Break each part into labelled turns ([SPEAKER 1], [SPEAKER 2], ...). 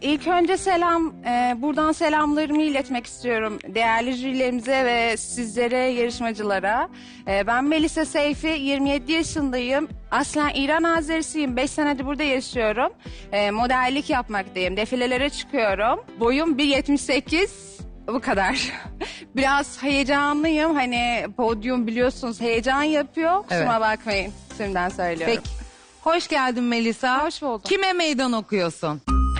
[SPEAKER 1] İlk önce buradan selamlarımı iletmek istiyorum değerli jürilerimize ve sizlere, yarışmacılara. Ben Melisa Seyfi, 27 yaşındayım. Aslen İran Azerisiyim, 5 senedir burada yaşıyorum. Modellik yapmaktayım, defilelere çıkıyorum. Boyum 1.78, bu kadar. Biraz heyecanlıyım, hani podyum biliyorsunuz heyecan yapıyor. Kusura bakmayın, şimdiden söylüyorum.
[SPEAKER 2] Peki. Hoş geldin Melisa.
[SPEAKER 1] Hoş buldum.
[SPEAKER 2] Kime meydan okuyorsun?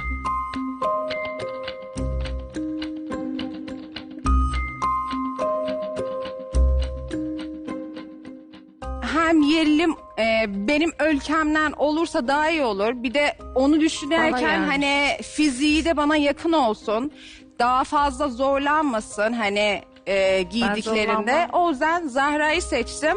[SPEAKER 1] Hem yerlim benim ülkemden olursa daha iyi olur. Bir de onu düşünürken hani fiziği de bana yakın olsun. Daha fazla zorlanmasın hani giydiklerinde. O yüzden Zahra'yı seçtim.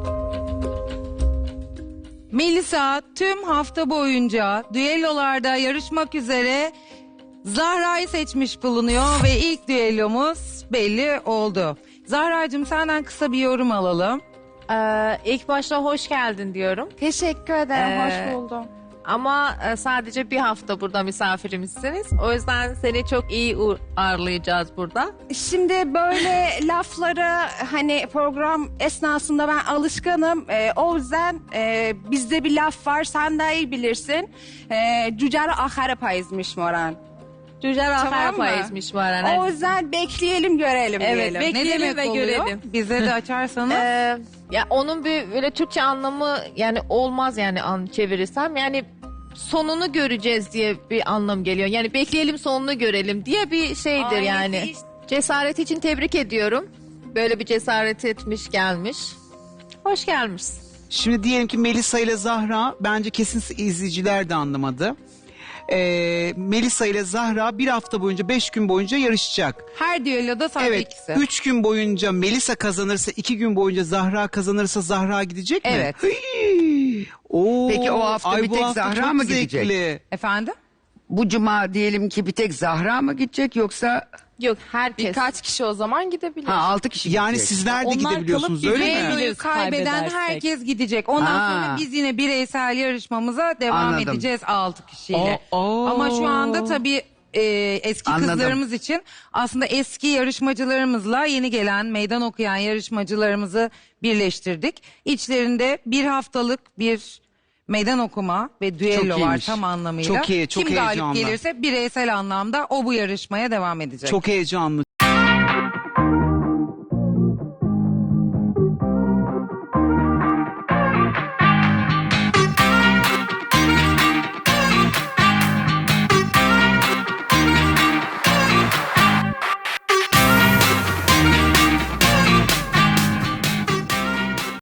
[SPEAKER 2] Melisa tüm hafta boyunca düellolarda yarışmak üzere Zahra'yı seçmiş bulunuyor ve ilk düellomuz belli oldu. Zahra'cığım senden kısa bir yorum alalım.
[SPEAKER 3] İlk başta hoş geldin diyorum.
[SPEAKER 1] Teşekkür ederim, hoş buldum.
[SPEAKER 3] Ama sadece bir hafta burada misafirimizsiniz. O yüzden seni çok iyi ağırlayacağız burada.
[SPEAKER 1] Şimdi böyle lafları hani program esnasında ben alışkanım. O yüzden bizde bir laf var, sen daha iyi bilirsin. Cücer ahara payızmış moran.
[SPEAKER 3] Tüccar
[SPEAKER 1] Tamam
[SPEAKER 3] ahar
[SPEAKER 1] mı?
[SPEAKER 3] payızmış var.
[SPEAKER 1] O yüzden bekleyelim görelim
[SPEAKER 3] Evet,
[SPEAKER 1] diyelim.
[SPEAKER 2] Ne
[SPEAKER 3] bekleyelim
[SPEAKER 2] demek
[SPEAKER 3] ve
[SPEAKER 2] oluyor?
[SPEAKER 3] görelim.
[SPEAKER 2] Bize de açarsanız.
[SPEAKER 3] Ya onun bir böyle Türkçe anlamı yani olmaz yani çevirirsem yani sonunu göreceğiz diye bir anlam geliyor. Yani bekleyelim sonunu görelim diye bir şeydir
[SPEAKER 1] Ailesi
[SPEAKER 3] yani.
[SPEAKER 1] işte.
[SPEAKER 3] Cesaret için tebrik ediyorum. Böyle bir cesaret etmiş gelmiş. Hoş gelmişsin.
[SPEAKER 4] Şimdi diyelim ki Melisa ile Zahra, bence kesin izleyiciler de anlamadı. Melisa ile Zahra bir hafta boyunca, 5 gün boyunca yarışacak.
[SPEAKER 2] Her düelloda sadece
[SPEAKER 4] Evet,
[SPEAKER 2] ikisi.
[SPEAKER 4] 3 gün boyunca Melisa kazanırsa, 2 gün boyunca Zahra kazanırsa Zahra gidecek mi?
[SPEAKER 2] Evet.
[SPEAKER 4] Hıy! Oo,
[SPEAKER 5] Peki o hafta bir
[SPEAKER 4] bu
[SPEAKER 5] tek
[SPEAKER 4] hafta
[SPEAKER 5] Zahra
[SPEAKER 4] çok
[SPEAKER 5] mı gidecek?
[SPEAKER 4] zevkli.
[SPEAKER 2] Efendim?
[SPEAKER 5] Bu cuma diyelim ki bir tek Zahra mı gidecek yoksa
[SPEAKER 3] Yok herkes.
[SPEAKER 6] Birkaç kişi o zaman gidebilir.
[SPEAKER 5] 6 kişi
[SPEAKER 4] Yani
[SPEAKER 5] gidecek?
[SPEAKER 4] sizler de
[SPEAKER 6] Onlar
[SPEAKER 4] gidebiliyorsunuz
[SPEAKER 6] kalıp
[SPEAKER 4] öyle mi?
[SPEAKER 6] gidebiliyor.
[SPEAKER 2] Düelloyu kaybeden
[SPEAKER 6] kaybedersek.
[SPEAKER 2] herkes gidecek. Ondan
[SPEAKER 5] Ha.
[SPEAKER 2] sonra biz yine bireysel yarışmamıza devam
[SPEAKER 5] Anladım.
[SPEAKER 2] edeceğiz 6 kişiyle.
[SPEAKER 4] Aa.
[SPEAKER 2] Ama şu anda tabii eski
[SPEAKER 5] Anladım.
[SPEAKER 2] kızlarımız için aslında eski yarışmacılarımızla yeni gelen meydan okuyan yarışmacılarımızı birleştirdik. İçlerinde bir haftalık bir meydan okuma ve düello var
[SPEAKER 5] iyiymiş.
[SPEAKER 2] tam anlamıyla.
[SPEAKER 4] Çok iyi, çok
[SPEAKER 2] Kim galip
[SPEAKER 4] heyecanlı.
[SPEAKER 2] gelirse bireysel anlamda o bu yarışmaya devam edecek.
[SPEAKER 4] Çok heyecanlı.